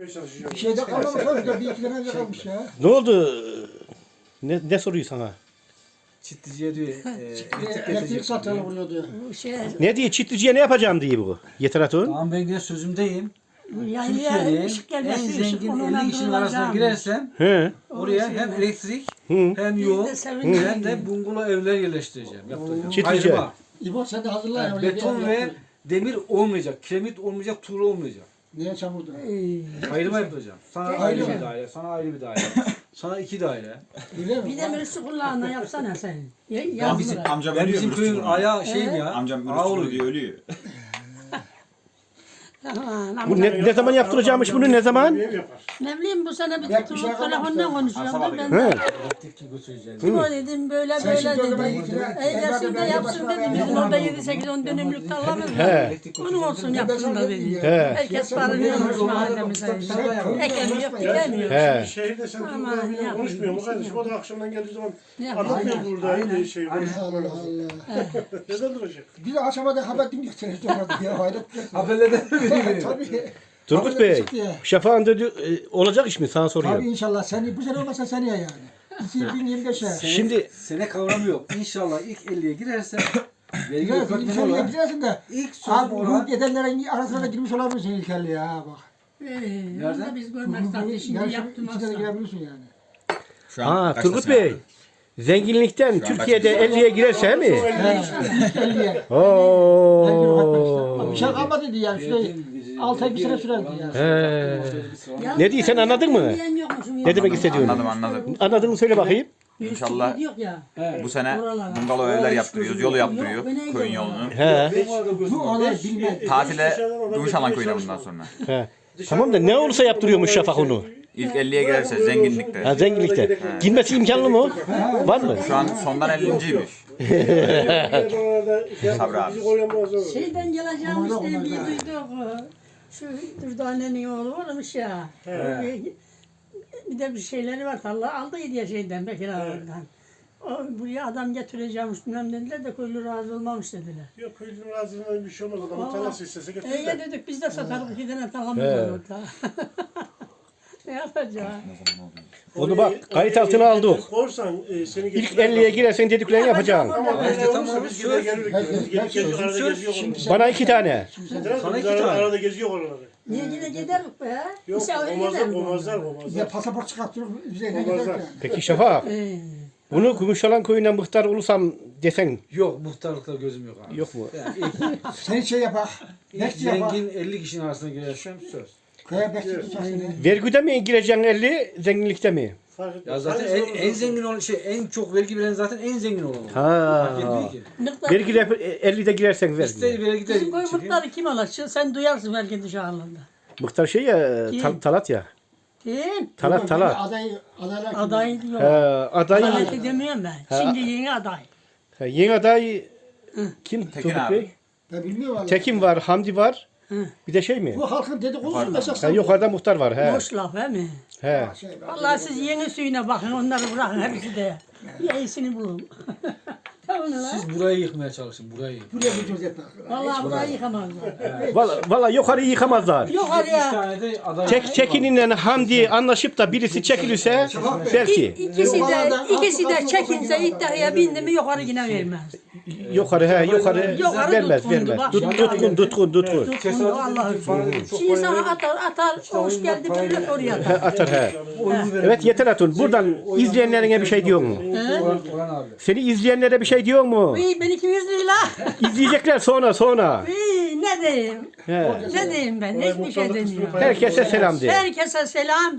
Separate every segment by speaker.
Speaker 1: Bir şeyde kalmamış orada. Bir iki tane önce kalmış ya.
Speaker 2: Ne oldu? Ne soruyor sana?
Speaker 3: Çitliciye diyor.
Speaker 1: Elektrik satanı oluyor diyor.
Speaker 4: Bu şey,
Speaker 2: Ne diye çitliciye ne yapacağım diye bu? Yeter Hatun.
Speaker 3: Tamam ben yine sözümdeyim.
Speaker 4: yani
Speaker 3: Türkiye'nin
Speaker 4: ışık
Speaker 3: en
Speaker 4: gelmesi, ışık
Speaker 3: zengin
Speaker 4: onunla
Speaker 3: 50 kişinin arasına
Speaker 4: durulacağım.
Speaker 3: girersem
Speaker 2: He.
Speaker 3: oraya hem elektrik hem
Speaker 4: Biz
Speaker 3: yol
Speaker 4: de sevindik.
Speaker 3: hem de bungalov evler yerleştireceğim. Yaptıracağım.
Speaker 2: Çiftlice.
Speaker 3: Ayrıma.
Speaker 1: İbo sen de hazırla.
Speaker 3: Yani
Speaker 1: oraya bir
Speaker 3: beton
Speaker 1: yer
Speaker 3: ve
Speaker 1: yaptır.
Speaker 3: demir olmayacak. Kiremit olmayacak, tuğla olmayacak.
Speaker 1: Niye çamurdu?
Speaker 3: Ayrıma yapacağım. Sana
Speaker 1: Ayrı
Speaker 3: ayrı
Speaker 1: mı?
Speaker 3: bir daire, sana ayrı bir daire. Sana 2 daire.
Speaker 1: Öyle mi?
Speaker 4: Bir de birisi kulağına yapsana sen.
Speaker 5: Lan bizim
Speaker 4: Yazdılar.
Speaker 5: amcam
Speaker 3: Ben
Speaker 5: ölüyor.
Speaker 3: bizim köyün ayağı şeyim ya.
Speaker 5: Amcam
Speaker 3: ağa
Speaker 5: ölüyor
Speaker 3: oluyor.
Speaker 5: diye ölüyor.
Speaker 4: Aman,
Speaker 2: Bu ne zaman yaptıracakmış bunu ne zaman?
Speaker 4: ne bileyim bu sene bir
Speaker 1: Belki bir
Speaker 4: tutulup
Speaker 1: şey
Speaker 4: telefonla
Speaker 1: kalmamıştır.
Speaker 4: konuşuyorum. Ben
Speaker 2: He.
Speaker 3: Elektrik götüreceğim.
Speaker 4: kim o dedim böyle
Speaker 1: Sen
Speaker 4: böyle
Speaker 1: şimdi o zaman
Speaker 4: dedi.
Speaker 1: ikine-
Speaker 4: Eylesin de
Speaker 1: ben
Speaker 4: yapsın
Speaker 1: başına
Speaker 4: dedi.
Speaker 1: ben
Speaker 4: Bizim
Speaker 1: yapamam.
Speaker 4: orada 7-8-10 dönümlük tarlamız
Speaker 2: He.
Speaker 4: var. Onun olsun yapsın da dedi.
Speaker 2: He.
Speaker 4: Herkes barınıyormuş mahallemize. Ekemiyor, dikemiyor.
Speaker 2: He.
Speaker 6: Şehirde sen
Speaker 4: Aman
Speaker 6: Turgut'la bile
Speaker 4: ya.
Speaker 6: konuşmuyor mu kardeşim? O da akşamdan geldiği zaman
Speaker 4: Ne yapayım?
Speaker 6: anlatmıyor burada
Speaker 3: Aynen.
Speaker 6: şey.
Speaker 1: Allah Allah.
Speaker 6: Neden duracak?
Speaker 1: Bir de aşamada haber dinliyor televizyonda ya. Hayret.
Speaker 3: Haberlerden mi veriyor?
Speaker 1: Tabii.
Speaker 2: Turgut
Speaker 1: Haberler
Speaker 2: Bey,
Speaker 1: çıktı ya.
Speaker 2: Şafak'ın dedi, olacak iş mi? Sana
Speaker 1: Tabii
Speaker 2: soruyorum.
Speaker 1: inşallah. Seni bu sene olmasa seneye yani. 2025'e.
Speaker 2: Şimdi
Speaker 3: Sene kavramı yok. İnşallah ilk 50'ye girersem vergi
Speaker 1: Güzel,
Speaker 3: öpatmen
Speaker 1: ilkelliğe
Speaker 3: olarak
Speaker 1: gidersin de.
Speaker 3: ilk sözüm
Speaker 1: Abi
Speaker 3: olan
Speaker 1: bu edenlerin arasına da girmiş olabilirsin ilkelliğe ha bak.
Speaker 4: Onu da biz görmek zaten şimdi yaptım
Speaker 1: İçine de
Speaker 4: aslında.
Speaker 1: girebilirsin yani.
Speaker 5: Şu an
Speaker 2: ha
Speaker 5: kaçtasın
Speaker 2: Turgut
Speaker 5: abi?
Speaker 2: Bey, zenginlikten
Speaker 5: Şu an
Speaker 2: Türkiye'de
Speaker 5: kaçtasın?
Speaker 2: 50'ye girerse mi?
Speaker 1: İlkelliğe.
Speaker 2: Oo.
Speaker 1: Bir şey kalmadı diye yani. Şurada 6 ay bir sene sürerdi yani.
Speaker 4: Ya,
Speaker 2: Ne diyorsun, anladın mı?
Speaker 4: diyen yokmuşum ya.
Speaker 2: Ne demek istediğini?
Speaker 5: Anladım.
Speaker 2: Anladın mı söyle bakayım.
Speaker 5: İnşallah
Speaker 4: Yok ya.
Speaker 5: bu sene
Speaker 4: Oralara.
Speaker 5: bungalov evler yaptırıyoruz. Yolu yaptırıyor.
Speaker 4: Yok, ben neydim
Speaker 5: Köyün
Speaker 4: ya?
Speaker 5: yolunu.
Speaker 2: He.
Speaker 1: Bu onlar bilmez.
Speaker 5: Tatile Gümüşhalan köyüne bundan sonra.
Speaker 2: He. Tamam da ne olursa yaptırıyormuş Şafak onu.
Speaker 5: İlk 50'ye girerse zenginlikte.
Speaker 2: Ha, zenginlikte. Girmesi imkanlı mı? Var mı?
Speaker 5: Şu an sondan 50.ymiş. Sabri abi.
Speaker 4: Şeyden geleceğim işte bir duyduk. Şu Dürdane'nin oğlu varmış ya. Bir de bir şeyleri var. Allah aldıydı ya şeyden Bekir ağadan. O buraya adam getireceğimiş bilmem dediler de köylü razı olmamış dediler.
Speaker 6: Yok köylünün razılığından bir şey olmaz. Adamın tarlası istese getirir
Speaker 4: Ya
Speaker 6: de.
Speaker 4: dedik biz de satarız 2 tane tarlamız var orada. Ne yapacağız?
Speaker 2: Onu bak kayıt altına aldık.
Speaker 6: Korsan seni
Speaker 2: İlk
Speaker 6: getirir.
Speaker 2: 50'ye girersen dediklerini yapacaksın.
Speaker 6: Ama
Speaker 3: İşte
Speaker 6: böyle
Speaker 3: tamam,
Speaker 6: olursa biz
Speaker 3: söz.
Speaker 6: gider geliriz. Gelip geziyor arada geziyor onları.
Speaker 2: Bana 2 tane.
Speaker 3: Sana
Speaker 6: Biz
Speaker 3: iki tane.
Speaker 6: arada geziyor onları.
Speaker 4: Niye yine giderim be?
Speaker 6: Yok
Speaker 4: Misafir
Speaker 6: olmazlar
Speaker 4: giderim.
Speaker 6: olmazlar
Speaker 1: Ya
Speaker 6: olmazlar.
Speaker 1: pasaport çıkarttırıp üzerine gider
Speaker 6: Olmazlar.
Speaker 1: yani.
Speaker 2: Peki Şafak, bunu Gümüşhalan köyünden muhtar olursam desen
Speaker 3: Yok muhtarlıkta gözüm yok abi.
Speaker 2: yok mu?
Speaker 3: Yani ilk,
Speaker 1: Sen şey yapak.
Speaker 3: ilk
Speaker 1: Bekçi yapak.
Speaker 3: zengin 50 kişinin arasına girersem söz.
Speaker 1: Köye bekçi tutar seni.
Speaker 2: Vergüde mi gireceksin 50, zenginlikte mi?
Speaker 6: Fark etmez.
Speaker 3: Ya zaten en zengin olan en çok vergi veren zaten en zengin olan.
Speaker 2: Ha.
Speaker 3: Fark etmiyor ki.
Speaker 2: Vergide 50'de girersen ver.
Speaker 3: İster vergi de
Speaker 4: Bizim koy
Speaker 3: çıkıyor.
Speaker 4: mutları kim alır? Sen duyarsın belki dışarıda.
Speaker 2: Muhtar şey ya,
Speaker 4: Kim?
Speaker 2: Talat ya.
Speaker 4: Kim?
Speaker 2: Talat.
Speaker 1: Adaylar kim?
Speaker 4: Aday diyor.
Speaker 2: Aday.
Speaker 4: Adaleti demiyorum ben. Şimdi yeni aday.
Speaker 2: Yeni aday kim?
Speaker 5: Tekin
Speaker 2: Turgut
Speaker 5: abi.
Speaker 2: Bey?
Speaker 1: Ben bilmiyorum valla.
Speaker 2: Tekin var, Hamdi var.
Speaker 4: Hı.
Speaker 2: Bir de şey mi?
Speaker 1: Bu halkın dedikodusu mu esas?
Speaker 2: Ha, yukarıda muhtar var. He.
Speaker 4: Boş laf he mi?
Speaker 2: He.
Speaker 4: Vallahi siz yeni suyuna bakın onları bırakın hepsi de. Bir iyisini bulun. Tamam lan.
Speaker 3: Siz burayı yıkmaya çalışın burayı.
Speaker 1: Buraya bir göz etmek.
Speaker 4: Vallahi burayı yıkamazlar.
Speaker 2: Valla yukarıyı yıkamazlar.
Speaker 3: İki
Speaker 4: Yukarıya.
Speaker 3: tane de aday.
Speaker 2: Çekininle Hamdi anlaşıp da birisi çekilirse belki.
Speaker 4: İkisi de çekinse iddiaya bindi mi yukarı yine vermez.
Speaker 2: Yukarı
Speaker 4: Yukarı
Speaker 2: vermez
Speaker 4: tutkundu,
Speaker 2: vermez.
Speaker 4: bak.
Speaker 2: Tutkun.
Speaker 4: Tutkundu Allah'ım. Şimdi sana atar, hoş geldi millet oraya atar.
Speaker 2: Atar he. Evet Yeter Hatun buradan izleyenlerine bir şey diyor mu?
Speaker 3: Orhan abi.
Speaker 2: Seni izleyenlere bir şey diyor mu?
Speaker 4: Uy, ben 200 lira.
Speaker 2: İzleyecekler sonra.
Speaker 4: Uy, ne diyeyim?
Speaker 2: He.
Speaker 4: Ne diyeyim ben? Hiçbir şey demiyorum.
Speaker 2: Herkese selam de.
Speaker 4: Herkese selam.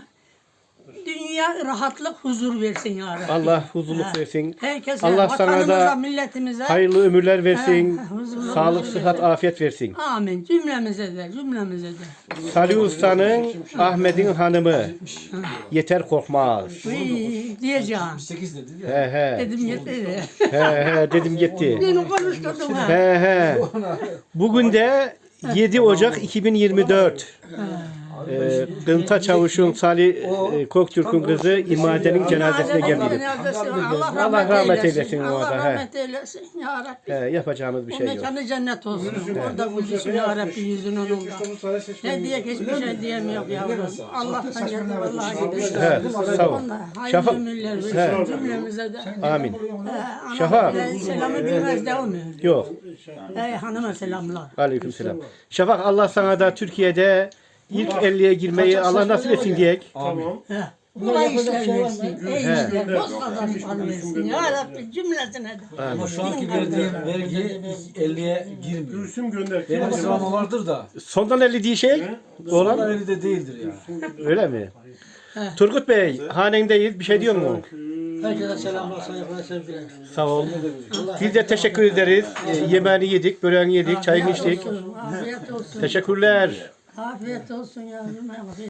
Speaker 4: Dünya rahatlık, huzur versin ya Rabbi.
Speaker 2: Allah huzurluk versin.
Speaker 4: Herkese,
Speaker 2: Allah sana
Speaker 4: vatanımıza,
Speaker 2: da
Speaker 4: milletimize.
Speaker 2: hayırlı ömürler versin.
Speaker 4: huzurlu
Speaker 2: Sağlık,
Speaker 4: ömür
Speaker 2: sıhhat, afiyet versin.
Speaker 4: Amin. Cümlemize de.
Speaker 2: Salih Usta'nın Ahmet'in hanımı Yeter Korkmaz.
Speaker 4: Uy, diyeceğim.
Speaker 3: 8 dedi ya.
Speaker 2: He
Speaker 4: Dedim yeter.
Speaker 2: he dedim gitti.
Speaker 4: Beni konuşturdun ha.
Speaker 2: He. Bugün de 7 Ocak 2024. Gınta Çavuş'un Salih Koktürk'ün kızı İmade'nin cenazesine geldi. Allah rahmet eylesin o
Speaker 4: Allah
Speaker 2: arada, he.
Speaker 4: rahmet eylesin ya Rabbi.
Speaker 2: Yapacağımız bir
Speaker 4: O
Speaker 2: şey yok.
Speaker 4: mekanı cennet olsun. Orada buluşsun ya Rabbi yüzün onunla. Ne diye hiçbir şey diyemiyor yavrum. Allah'tan geldi vallahi gidiyor.
Speaker 2: He, sağ ol.
Speaker 4: Hayırlı
Speaker 2: Şafak.
Speaker 4: ömürler versin cümlemize de.
Speaker 2: Amin.
Speaker 4: Ana
Speaker 2: Şafak.
Speaker 4: selamı bilmez de olmuyor.
Speaker 2: Yok.
Speaker 4: Hanıma selamlar.
Speaker 2: Aleykümselam. Şafak, Allah sana da Türkiye'de ilk 50'ye girmeyi Allah nasip etsin diyek.
Speaker 6: Tamam.
Speaker 4: Kolay işler versin. İyi işler. Boz kazançlar versin. Ya Rabbi cümlesine de.
Speaker 3: Ama şu anki verdiğim vergi 50'ye girmiyor.
Speaker 6: Gülsüm gönder.
Speaker 3: Benim sıralama vardır da.
Speaker 2: Sondan 50 diye şey
Speaker 3: Olan
Speaker 2: olan
Speaker 3: 50'de değildir ya.
Speaker 2: öyle mi? Turgut Bey, hanendeyiz. Bir şey diyor mu?
Speaker 1: Herkese selamlar, saygılar, sevgiler.
Speaker 2: Sağ ol. Biz de teşekkür ederiz. Yemeğini yedik, böreğini yedik, çayını içtik.
Speaker 4: Afiyet olsun.
Speaker 2: Teşekkürler.
Speaker 4: Afiyet olsun yavrum.